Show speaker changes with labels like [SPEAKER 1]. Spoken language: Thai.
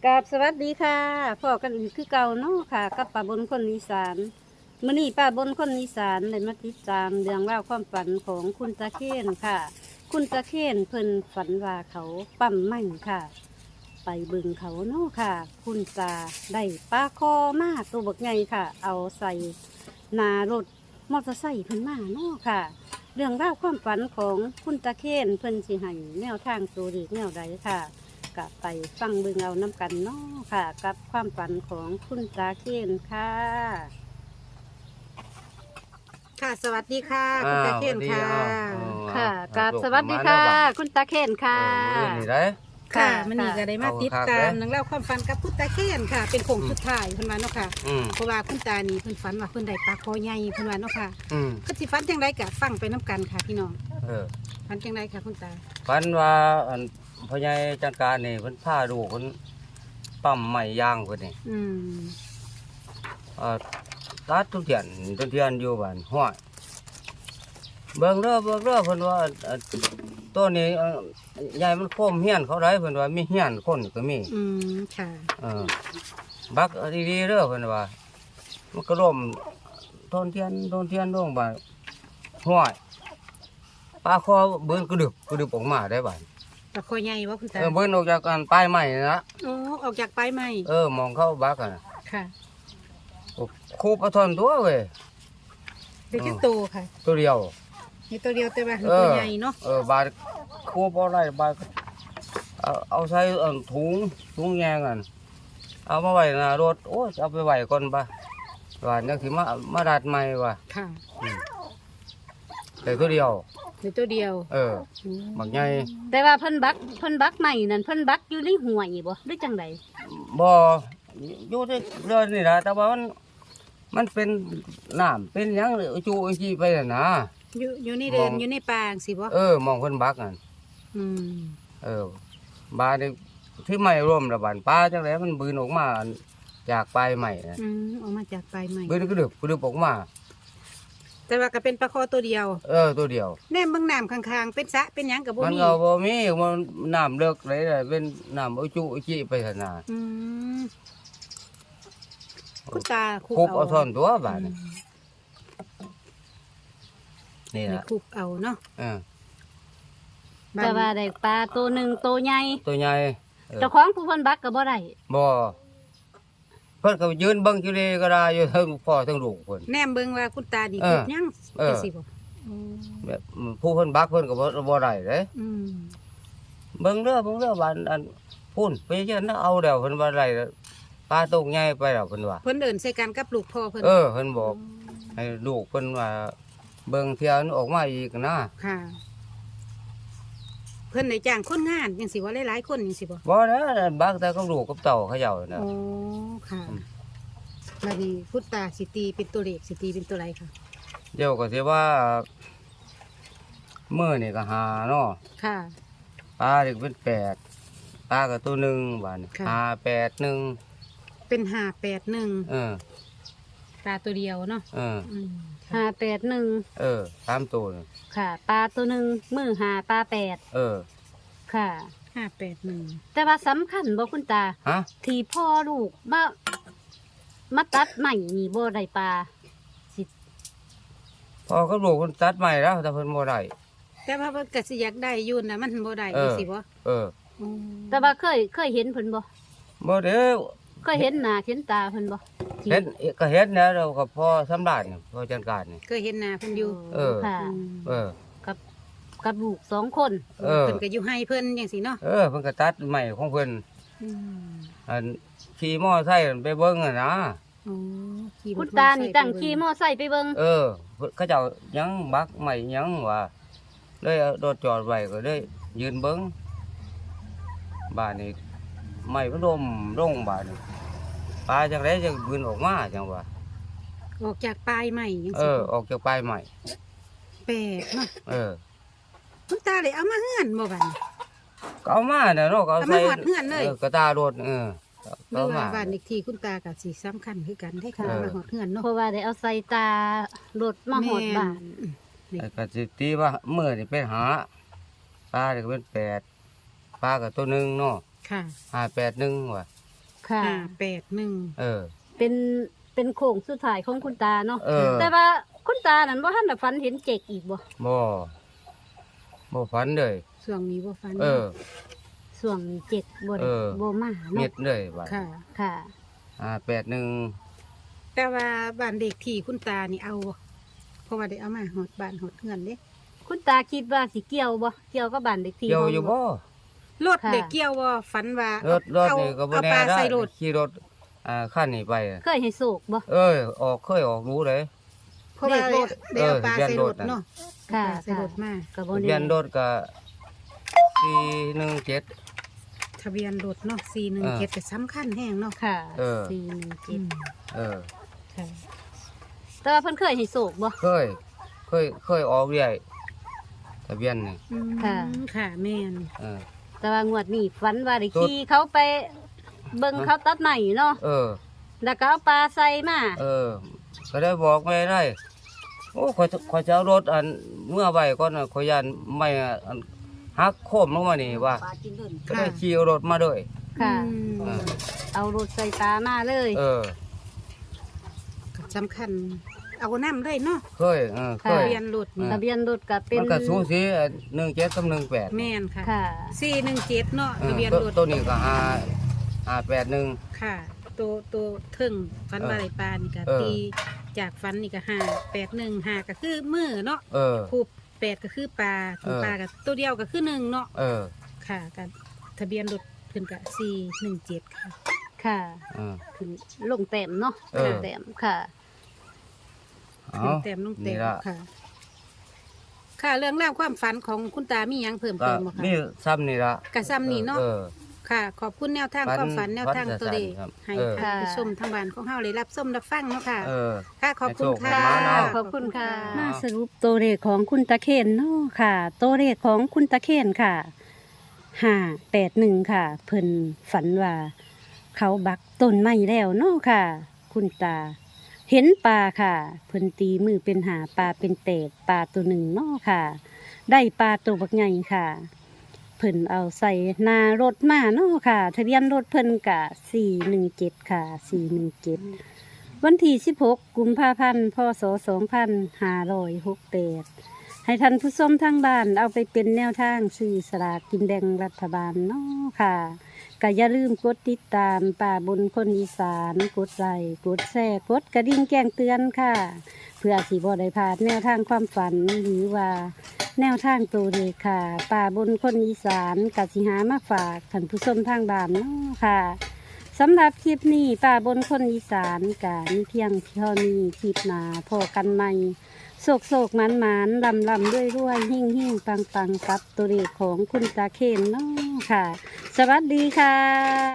[SPEAKER 1] กราบสวัสดีค่ะพ่อกันอีกคือเก่าเนาะค่ะกับป้าบนคนอีสานมื้อนี้ป้าบนคนอีสานได้มาติดตามเรื่องราวความฝันของคุณตาเคนค่ะ คุณตาเคนเพิ่นฝันว่าเขาปั๊มไม่ค่ะ ไปเบิ่งเขาเนาะค่ะ คุณตาได้ปลาคอมาตัวบักใหญ่ค่ะ เอาใส่หน้ารถมอเตอร์ไซค์เพิ่นมาเนาะค่ะ เรื่องราวความฝันของคุณตาเคนเพิ่นสิให้แนวทางตัวเลขแนวใดค่ะก็ไปฟังเบิ่งเอาน้ำกันเนาะค่ะ กับความฝันของคุณตาเคนค่ะ
[SPEAKER 2] ค่ะสวัสดีค่ะคุณตาเคนค่ะ
[SPEAKER 1] ค่ะกับสวัสดีค่ะ คุณตาเคนค่ะ
[SPEAKER 3] นี่ได้
[SPEAKER 2] ค่ะ
[SPEAKER 1] ค่ะ
[SPEAKER 2] มันนี่ก็ได้มาติดตามนังเล่องราวความฝันกับคุณตาเคนค่ะ เป็นโค้งสุดท้ายเพิ่นว่าเนาะค่ะ เพราะว่าคุณตานี่เพิ่นฝันว่าเพิ่นได้ปลาคอใหญ่เพิ่นว่าเนาะค่ะก็สิฝันจังไดก็ฟังไปน้กันค่ะพี่น้องฝันจังไดค่ะคุณตา
[SPEAKER 3] ฝันว่าอันพ่อใหญ่จัดการนี่เพิ่นพาลูกเพิ่นปั๊มไม้ยางเพิ่นนี่
[SPEAKER 2] อืม
[SPEAKER 3] ตัดทุเรียนอยู่บ้านห้วยเบิ่งเด้อเพิ่นว่าตัวนี้ใหญ่มันโคมเฮียนเขาได้เพิ่นว่ามีเฮียนคนก็มี
[SPEAKER 2] อืมค่ะ
[SPEAKER 3] บักดีๆเด้อเพิ่นว่ามันก็ร่มต้นเทียนลงบ้านห้วยปลาคอเบิ่นกระดึบออกมาได้บ้าน
[SPEAKER 2] ปลาคอใหญ่บ่คุณตา
[SPEAKER 3] เบิ่นออกจากกันปลายไม้นะ
[SPEAKER 2] โอ้ออกจากปลายไม้
[SPEAKER 3] มองเข้าบักอ่ะ
[SPEAKER 2] ค่ะ
[SPEAKER 3] คูปลาทอนตัวเว้ย
[SPEAKER 2] เป็นจักโตค่ะ
[SPEAKER 3] ตัวเดียว
[SPEAKER 2] นี่ตัวเดียวแต่ว่าคือตัวใหญ่เนาะ
[SPEAKER 3] บาดคูปอะไรบาดเอาใส่ถุงแยงกันเอามาไว้หน้ารถโอ้ยเอาไปไว้ก่อนปะว่าจังสิมาดัดใหม่ว่ะ
[SPEAKER 2] ค่ะ
[SPEAKER 3] แต่ตัวเดียว
[SPEAKER 2] นี่ตัวเดียว
[SPEAKER 3] บักใหญ่
[SPEAKER 1] แต่ว่าเพิ่นบักใหม่นั่นเพิ่นบักอยู่ในห่วยบ่หรือจังได
[SPEAKER 3] บ่อยู่ที่เรือนนี่ล่ะแต่ว่ามันเป็นน้ำเป็นหยังจูจีไปน่ะนะ
[SPEAKER 2] อยู่ในเดินอยู่ในป่าจังสิบ่
[SPEAKER 3] มองเพิ่นบักนั่น
[SPEAKER 2] อืม
[SPEAKER 3] บาดนี่ที่ไม่ร่วมระบาดปลาจังไดมันบืนออกมาจากปลายใหม่นะ
[SPEAKER 2] ออกมาจากปลายไม้
[SPEAKER 3] บืนกระดึบออกมา
[SPEAKER 2] แต่ว่าก็เป็นปลาคอตัวเดียว
[SPEAKER 3] ตัวเดียว
[SPEAKER 2] แนมเบิ่งน้ำข้างๆเป็นสระเป็นหยังกับบ่
[SPEAKER 3] มัน
[SPEAKER 2] มี
[SPEAKER 3] ก็บ่มีมันน้ำเลิกเลยเป็นน้ำอุจุอุจิไปซั่นน่ะ
[SPEAKER 2] อืมคุณตา
[SPEAKER 3] คุบเอาท่อนตัวบาดนี่นี่
[SPEAKER 2] นี่
[SPEAKER 3] ล่ะ
[SPEAKER 2] คุบเอาเนาะ
[SPEAKER 1] แต่ว่าได้ปลาตัวหนึ่งตัวใหญ่
[SPEAKER 3] ตัวใหญ่
[SPEAKER 1] เจ้าของผู้เพิ่นบักก็บ่ได้
[SPEAKER 3] บ่เพิ่นก็ยืนเบิ่งอยู่เลยก็ได้อยู่ทั้งพ่อทั้งลูกเพิ่น
[SPEAKER 2] แนมเบิ่งว่าคุณตาดีคุบหยังจังซี่บ่
[SPEAKER 3] แบบผู้เพิ่นบักเพิ่นก็บ่ได้เด้
[SPEAKER 2] อืม
[SPEAKER 3] เบิ่งเด้อบ้านอันพุ่นไปเชิญเอาแล้วเพิ่นว่าได้ปลาตกใหญ่ไปแล้วเพิ่นว่า
[SPEAKER 2] เพิ่นเดินใส่กันกับลูกพ่อเพิ่น
[SPEAKER 3] เพิ่นบอกให้ลูกเพิ่นว่าเบิ่งเที่ยวออกมาอีกนะ
[SPEAKER 2] ค่ะ เพิ่นได้จ้างคนงานจังซี่ว่าหลายๆคนจังซี่บ่
[SPEAKER 3] บ่นะบักแต่กับลูกกับเต่าเขาเจ้าน่ะ
[SPEAKER 2] อ๋อค่ะบัดนี้คุณตาสิตีเป็นตัวเลขสิตีเป็นตัวไรค่ะ
[SPEAKER 3] เดี๋ยวก็สิว่ามื้อนี่ก็หาเนาะ
[SPEAKER 2] ค่ะ
[SPEAKER 3] ปลานี่ก็เป็น8ปลาก็ตัวหนึงบาดนี้
[SPEAKER 2] ค่ะ
[SPEAKER 3] 5 8 1
[SPEAKER 2] เป็น581
[SPEAKER 3] เออ
[SPEAKER 2] ปลาตัวเดียวเนาะ
[SPEAKER 3] เออ
[SPEAKER 2] อืม
[SPEAKER 1] 581
[SPEAKER 3] ตามตัวนี่
[SPEAKER 1] ค่ะปลาตัวหนึ่งมือหาปลา8ค่ะ
[SPEAKER 2] 581
[SPEAKER 1] แต่ว่าสำคัญบ่คุณตา
[SPEAKER 3] ฮะ
[SPEAKER 1] ที่พ่อลูกมาตัดใหม่นี่บ่ได้ปลาสิ
[SPEAKER 3] พอกับลูกเพิ่นตัดใหม่แล้วแต่เพิ่นบ่ได้
[SPEAKER 2] แต่ว่าเพิ่นก็สิอยากได้อยู่นะมันบ่ได้
[SPEAKER 3] เออ
[SPEAKER 2] จังซี่บ่
[SPEAKER 3] เออ
[SPEAKER 2] อืม
[SPEAKER 1] แต่ว่าเคยเห็นเพิ่นบ่
[SPEAKER 3] บ่เด้อ
[SPEAKER 1] เคยเห็นหน้าเห็นตาเพิ่นบ่ที่
[SPEAKER 3] เห็นก็เห็นแล้วเราก็พอสำราญนี่พอจัดการนี่
[SPEAKER 2] เคยเห็นหน้าเพิ่นอยู่
[SPEAKER 3] เออ
[SPEAKER 1] ค่ะ
[SPEAKER 2] อืม
[SPEAKER 3] เออ
[SPEAKER 1] กับลูก2 คน
[SPEAKER 3] เออ
[SPEAKER 2] เพิ่นก็อยู่ให้เพิ่นจังซี่เนาะ
[SPEAKER 3] เพิ่นก็ตัดใหม่ของเพิ่น
[SPEAKER 2] อืม
[SPEAKER 3] อันขี่มอไซค์ไปเบิ่งอ่ะนะ
[SPEAKER 2] อ๋อขี่
[SPEAKER 1] คุณตานี่ตั้งขี่มอไซค์ไปเบิ่ง
[SPEAKER 3] เขาเจ้ายังบักใหม่ยังว่าเลยเอารถจอดไว้ก็เลยยืนเบิ่งบ้านนี้ใหม่มันลงบ้านนี้ปลาจังไดจะบืนออกมาจังว่า
[SPEAKER 2] ออกจากปลายไม้จังซี่
[SPEAKER 3] ออกจากปลายใหม่
[SPEAKER 2] แปลกเนาะ คุณตาเลยเอามาเฮือนบ่บัดนี้
[SPEAKER 3] ก็เอามาเนี่ยเนาะก็เอา
[SPEAKER 2] เอา
[SPEAKER 3] ใส่
[SPEAKER 2] มาหอดเฮือนเลย
[SPEAKER 3] กระตารถ
[SPEAKER 2] เมื่อ
[SPEAKER 3] เอามา
[SPEAKER 2] บ้านอีกทีคุณตาก็สิสำคัญคือกันได้ค่ะ
[SPEAKER 3] เออ
[SPEAKER 2] มาหอดเฮือนเนาะ
[SPEAKER 1] เพราะว่าได้เอาใส่ตารถมาหอดบ้าน
[SPEAKER 3] ก็สิตีว่ามื้อนี่เป็นหาปลานี่ก็เป็น8ปลาก็ตัวหนึงเนาะ
[SPEAKER 2] ค่ะ
[SPEAKER 3] 581ว่ะ
[SPEAKER 1] ค่ะ
[SPEAKER 2] 581
[SPEAKER 3] เออ
[SPEAKER 1] เป็นโค้งสุดท้ายของคุณตาเนาะ
[SPEAKER 3] เออ
[SPEAKER 1] แต่ว่าคุณตานั่นบ่ทันได้ฝันเห็นเจกอีกบ่
[SPEAKER 3] บ่ฝันเลย
[SPEAKER 2] ช่วงนี้บ่ฟัน
[SPEAKER 3] เออ
[SPEAKER 1] ส่วงนี้เจกบ่ได้
[SPEAKER 3] เออ
[SPEAKER 1] บ่มา
[SPEAKER 3] เม็
[SPEAKER 1] เนาะ
[SPEAKER 3] ดเลยบาด
[SPEAKER 2] ค่ะ
[SPEAKER 1] ค่ะ
[SPEAKER 3] 81
[SPEAKER 2] แต่ว่าบ้านเด็กที่คุณตานี่เอาบ่เพราะว่าได้เอามาหอดบ้านหอดเฮือนเด้
[SPEAKER 1] คุณตาคิดว่าสิเกี่ยวบ่เกี่ยวกับบ้านเด็กที่
[SPEAKER 3] เกี่ยวอยู่บ่
[SPEAKER 2] รถ
[SPEAKER 1] ค่ะ
[SPEAKER 2] เด็กเกี่ยวบ่ฝันว่าร
[SPEAKER 3] ถนี่ก็บ่
[SPEAKER 2] เอา
[SPEAKER 3] แน่
[SPEAKER 2] ปลา
[SPEAKER 3] ได้
[SPEAKER 2] ใส่รถ
[SPEAKER 3] ขี่รถคันนี้ไป
[SPEAKER 1] เคยให้โศกบ่
[SPEAKER 3] เคยออกรู้เลย
[SPEAKER 2] เพราะว่า
[SPEAKER 1] เลขรถ
[SPEAKER 2] ได้เอาปลาใส่รถเนาะ
[SPEAKER 1] ค่ะ
[SPEAKER 2] เอาปลาใส่รถมา
[SPEAKER 1] ก็บ่
[SPEAKER 3] ทะ
[SPEAKER 1] ได้
[SPEAKER 3] เบียนรถก็417
[SPEAKER 2] ทะเบียนรถเนาะ417ก็สำคัญแฮงเนาะ
[SPEAKER 1] ค่ะ
[SPEAKER 3] เออ
[SPEAKER 1] 417
[SPEAKER 3] เออ
[SPEAKER 2] ค่ะ
[SPEAKER 1] แต่ว่าเพิ่นเคยให้โศกบ่
[SPEAKER 3] เคยออกเรื่อยทะเบียนนี่
[SPEAKER 1] ค่ะ
[SPEAKER 2] ค่ะแม่น
[SPEAKER 3] เออ
[SPEAKER 1] แต่ว่างวดนี้ฝันว่าได้ขี่เขาไปเบิ่งเขาตัดไม้เนาะ
[SPEAKER 3] เออ
[SPEAKER 1] แล้วก็เอาปลาใส่มา
[SPEAKER 3] ก็ได้บอกไม่ได้โอ้ขอยจะเอารถอันเมื่อไว้ก่อนน่ะขอยยันไม่อันหักโค้มลงมานี่ว่าก็ได้ขี่เอารถมาด้วย
[SPEAKER 1] ค่ะ
[SPEAKER 3] เออ
[SPEAKER 1] เอารถใส่ปลามาเลย
[SPEAKER 3] เออ
[SPEAKER 2] ก็สำคัญ เอาน้ำเลยเนาะ
[SPEAKER 3] เคย
[SPEAKER 2] ทะเบียนรถนี่
[SPEAKER 1] ทะเบียนรถก็เป็น
[SPEAKER 3] มันก็สูสี17กับ18
[SPEAKER 2] แม่นค่ะ
[SPEAKER 1] ค่ะ
[SPEAKER 2] 417เนาะทะเบียนรถ
[SPEAKER 3] ตัวนี้ก็581
[SPEAKER 2] ค่ะตัวเทิงฟันบาไรปลานี่ก็
[SPEAKER 3] เออ
[SPEAKER 2] ตีจากฟันนี่ก็581 5ก็คือมือเนาะ
[SPEAKER 3] เออ
[SPEAKER 2] คู8ก็คือปลาถึงปลาก็ตัวเดียวก็คือ1เนาะ
[SPEAKER 3] เออ
[SPEAKER 2] ค่ะกันทะเบียนรถเพิ่นก็417ค่ะ
[SPEAKER 1] ค่ะ
[SPEAKER 3] เออ
[SPEAKER 1] ขึ้นลงแต้มเนาะ
[SPEAKER 3] เออ
[SPEAKER 1] ลงแต้มค่ะ
[SPEAKER 3] เอา
[SPEAKER 2] ขึ้นแต้มลงแต้
[SPEAKER 3] นี่
[SPEAKER 2] ม
[SPEAKER 3] ละ
[SPEAKER 2] ค่ะ ค่ะเรื่องราวความฝันของคุณตามีหยังเพิ่ม
[SPEAKER 3] ก็
[SPEAKER 2] เติมบ่คะ
[SPEAKER 3] มีซ้ำนี่ละ
[SPEAKER 2] กะซ้ำนี่เนาะ
[SPEAKER 3] เออ
[SPEAKER 2] ค่ะ ขอบคุณแนวทาง
[SPEAKER 3] ฝัน
[SPEAKER 2] ความฝันแนวทาง
[SPEAKER 3] ฝัน
[SPEAKER 2] ตัวเลข
[SPEAKER 3] ครับ
[SPEAKER 2] ให้
[SPEAKER 3] เออ
[SPEAKER 2] ท่านผู้ชมทางบ้านของเฮาได้รับชมรับฟังเนาะค่ะ
[SPEAKER 3] เออ
[SPEAKER 2] ค่ะ ขอบคุณค่ะ
[SPEAKER 3] ให้โชคให้หมาเนาะ
[SPEAKER 1] ขอบคุณค่ะ
[SPEAKER 3] อ๋อ
[SPEAKER 1] มาสรุปตัวเลขของคุณตะเคนเนาะค่ะ ตัวเลขของคุณตะเคนค่ะ581ค่ะเพิ่นฝันว่า เขาบักต้นไม้แล้วเนาะค่ะ คุณตา เห็นปลาค่ะเพิ่นตีมือเป็นหาปลาเป็นเตดปลาตัวหนึ่งเนาะค่ะ ได้ปลาตัวบักใหญ่ค่ะ เพิ่นเอาใส่หนารถมาเนาะค่ะ ทะเบียนรถเพิ่นกะ417ค่ะ417วันที่16กุมภาพันธ์พศ2568ให้ท่านผู้ชมทางบ้านเอาไปเป็นแนวทางซื้อสลากกินแบ่งรัฐบาลเนาะค่ะก็อย่าลืมกดติดตามป่าบนคนอีสานกดไลค์กดแชร์กดกระดิ่งแจ้งเตือนค่ะ เพื่อสิบ่ได้พลาดแนวทางความฝันหรือว่า แนวทางตัวเลขค่ะ ป่าบนคนอีสานกสิหามาฝากท่านผู้ชมทางบ้านเนาะค่ะสำหรับคลิปนี้ป่าบนคนอีสานกามีเพียงเท่านี้คลิปหนาพอกันใหม่โศกโศกหมันหมันลำลำด้วยด้วยหิ่งหิ่งปังปังกับตัวเลขของคุณตาเคนเนาะค่ะ สวัสดีค่ะ